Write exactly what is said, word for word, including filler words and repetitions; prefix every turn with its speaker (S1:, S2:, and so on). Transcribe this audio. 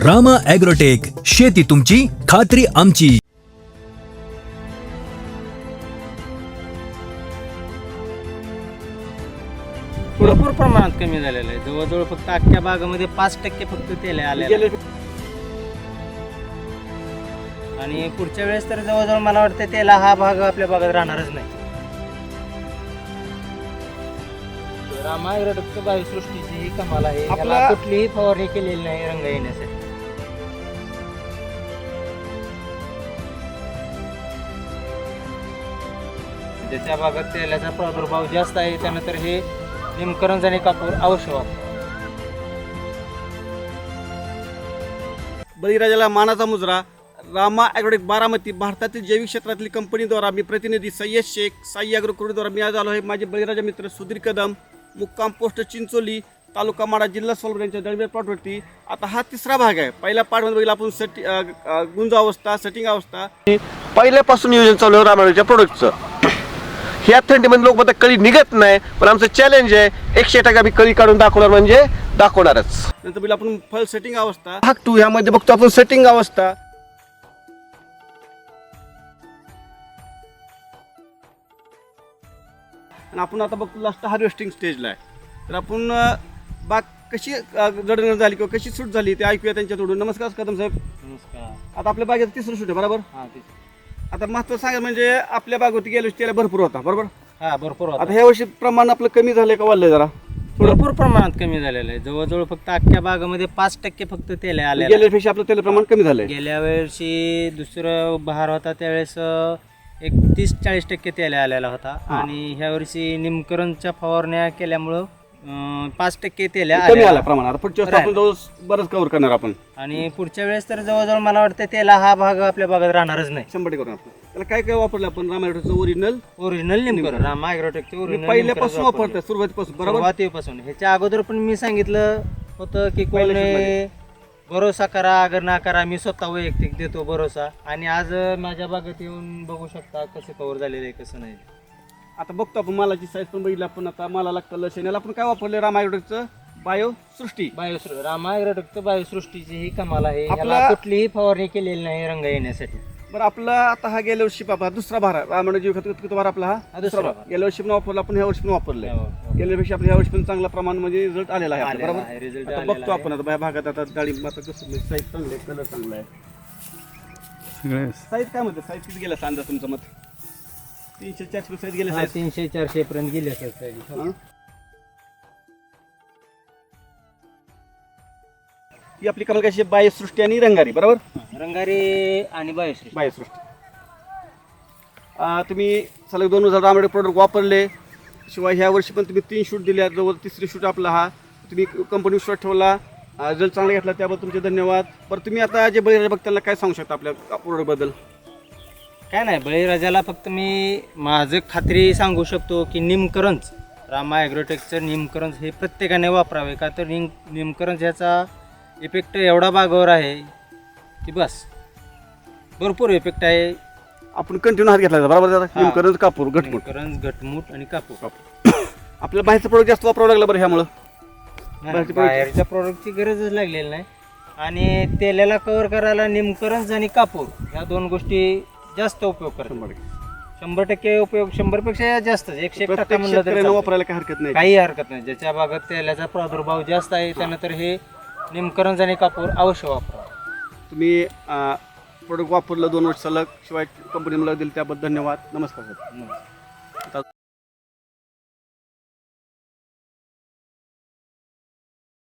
S1: Rama agrotech, शेती तुमची, खात्री आमची.
S2: भरपूर प्रमाणात कमी झालेलं आहे. जवळजवळ फक्त अख्ख्या बागामध्ये पाच टक्के फक्त तेल आले आणि पुढच्या वेळेस तर जवळजवळ मला वाटतं तेला हा भाग आपल्या बागात राहणारच नाही. रामा ॲग्रोटेक बायोसृष्टीची ही कमाल आहे. याला कुठलीही फवारणी केलेली नाही रंग येण्यासाठी. ज्याच्या भागात तेलाचा प्रादुर्भाव जास्त आहे त्यानंतर हे निमकरंज आणि कापूर अवश्य वापर.
S3: बळीराजाला मानाचा मुजरा. रामा ॲग्रोटेक बारामती, भारतातील जैविक क्षेत्रातील कंपनीद्वारा मी प्रतिनिधी सय्यद शेख, साई ॲग्रोकडूद्वारा मी आज आलो आहे. माझे बळीराजा मित्र सुधीर कदम, मुक्काम पोस्ट चिंचोली, तालुका माडा, जिल्हा सोलापूर यांच्या दळवे प्लॉटवरती. आता हा तिसरा भाग आहे. पहिल्या पार्टमध्ये बघितला आपण सेटी गुंज अवस्था, सेटिंग अवस्था.
S4: पहिल्यापासून नियोजन चालू आहे रामायणाच्या प्रोडक्टचं. ह्या थंडीमध्ये लोक म्हणतात कळी निघत नाही, पण आमचं चॅलेंज आहे एकशे टक्के आम्ही कळी काढून दाखवणार म्हणजे दाखवणारच.
S3: नंतर बघितलं आपण फल सेटिंग अवस्था.
S4: भाग टू ह्यामध्ये बघतो आपण सेटिंग अवस्था.
S3: आणि आपण आता बघतो लास्ट हार्वेस्टिंग स्टेजला आहे. तर आपण अ, बाग कशी जडण झाली किंवा कशी सूट झाली ते ऐकूया त्यांच्याकडून. नमस्कार कदम साहेब.
S2: नमस्कार.
S3: आता आपल्या बागेत तिसरं शूट आहे बरोबर.
S2: हा ते
S3: आता महत्व सांगा म्हणजे आपल्या बागवरती गेल्या वर्षी त्याला भरपूर होता बरोबर.
S2: हा भरपूर होता.
S3: आता ह्या वर्षी प्रमाण आपलं कमी झालंय का वाढलंय जरा.
S2: भरपूर प्रमाणात कमी झालेलं आहे. जवळजवळ फक्त अख्ख्या बागामध्ये पाच टक्के फक्त तेल आले.
S3: गेल्या वर्षी आपलं तेल प्रमाण कमी झालंय.
S2: गेल्या वर्षी दुसरं बहार होता त्यावेळेस एक तीस चाळीस टक्के तेल आलेला होता आणि ह्या वर्षी निमकरंजच्या फवारण्या केल्यामुळं अं, पाच टक्के तेल
S3: कमी आला प्रमाण. आता पुढच्या वर्षी आपण जवळ बरंच कव्हर करणार आपण.
S2: आणि पुढच्या वेळेस तर जवळजवळ मला वाटतं तेला हा भाग आपल्या बागात राहणारच नाही.
S3: शंभर टक्के करून आपण त्याला काय काय वापरलं आपण रामायणाचं ओरिजिनल
S2: ओरिजिनल निमकरंज, रामा ॲग्रोटेकचे ओरिजिनल
S3: पहिल्यापासून वापरतोय सुरुवातीपासून बरोबर.
S2: सुरुवातीपासून. ह्याच्या अगोदर पण मी सांगितलं होतं की कोणी भरोसा करा अगर ना करा, मी स्वतः वैयक्तिक देतो भरोसा. आणि आज माझ्या बागेत येऊन बघू शकता कसं कव्हर झालेलं आहे कसं नाही.
S3: आता बघतो आपण मालाची साईज पण बघितली आपण. आता मालाला कलर शेण्याला आपण काय वापरलं रामा ॲग्रोटेकचं बायो सृष्टी.
S2: बायोसृ रामा ॲग्रोटेकचं बायोसृष्टीची ही कमाल आहे.
S3: आपला-
S2: याला कुठलीही फवारणी केलेली नाही रंग येण्यासाठी.
S3: बरं आपला आता हा गेल्या वर्षी बाबा दुसरा भार आहे रामायण जीव खत किती भार आपला हा
S2: दुसरा
S3: भार.
S2: भार.
S3: गेल्या वर्षी पण वापरला आपण ह्या वर्षी पण वापरलंय.
S2: हो, हो.
S3: गेल्या वर्षी आपल्या ह्या वर्षी पण चांगला प्रमाण म्हणजे रिझल्ट आलेला आहे आपल्या,
S2: आलेला
S3: बरोबर.
S2: आहे, result
S3: आता
S2: आलेला
S3: बघतो
S2: आहे.
S3: आपण आता या भागात आता डाळिंब आता कसं साईज चांगलं आहे, कलर चांगला आहे. साईज काय म्हणते साईज किती गेला सांगा तुमचं मत. तीनशे चारशे साईज गेले
S2: हा,
S3: साईज.
S2: तीनशे चारशे पर्यंत गेले असेल.
S3: हं? ही आपली कमाल कशी बायोसृष्टी आणि रंगारी बरोबर.
S2: रंगारी आणि बायोसृष्टी.
S3: बायोसृष्टी तुम्ही सलग दोन हजार रामायण प्रोडक्ट वापरले. शिवाय ह्या वर्षी पण तुम्ही तीन शूट दिल्या. जवळ तिसरी शूट आपला हा तुम्ही कंपनी विश्वास ठेवला, रिझल्ट चांगला घेतला त्याबद्दल तुमचे धन्यवाद. बरं तुम्ही आता जे बळीराजा बघ त्यांना काय सांगू शकता आपल्या प्रोडक्टबद्दल.
S2: काय नाही, बळीराजाला फक्त मी माझं खात्री सांगू शकतो की निमकरंज, रामा ॲग्रोटेकचं निमकरंज हे प्रत्येकाने वापरावे. का तर निम निमकरंज ह्याचा इफेक्ट एवढा बागावर आहे की बस भरपूर इफेक्ट आहे.
S3: आपण कंटिन्यू हात घेतला बरोबर.
S2: हा.
S3: निमकरंज कापूर घटमुट
S2: निमकरंज घटमुट आणि कापूर.
S3: आपल्याला बाहेरचं प्रोडक्ट जास्त वापरावं लागलं बरं ह्यामुळं.
S2: नाही, बाहेरच्या प्रोडक्टची गरजच लागलेली नाही. आणि तेलाला कव्हर करायला निमकरंज आणि कापूर ह्या दोन गोष्टी जास्त उपयोग करतात. शंभर टक्के उपयोग, शंभर पेक्षा जास्त एकशे एक टक्का
S3: प्रत्येक
S2: म्हणलं तर
S3: शेतकऱ्याला
S2: चालतं.
S3: वापरायला काही हरकत नाही.
S2: काही हरकत नाही. ज्याच्या भागात तेलाचा प्रादुर्भाव जास्त आहे त्यानंतर हे निमकरंज आणि कापूर अवश्य वापरा.
S3: तुम्ही प्रोडक्ट वापरलं दोन वर्ष सलग. शिवाय कंपनी मला दिली त्याबद्दल धन्यवाद. नमस्कार सर.
S2: नमस्कार.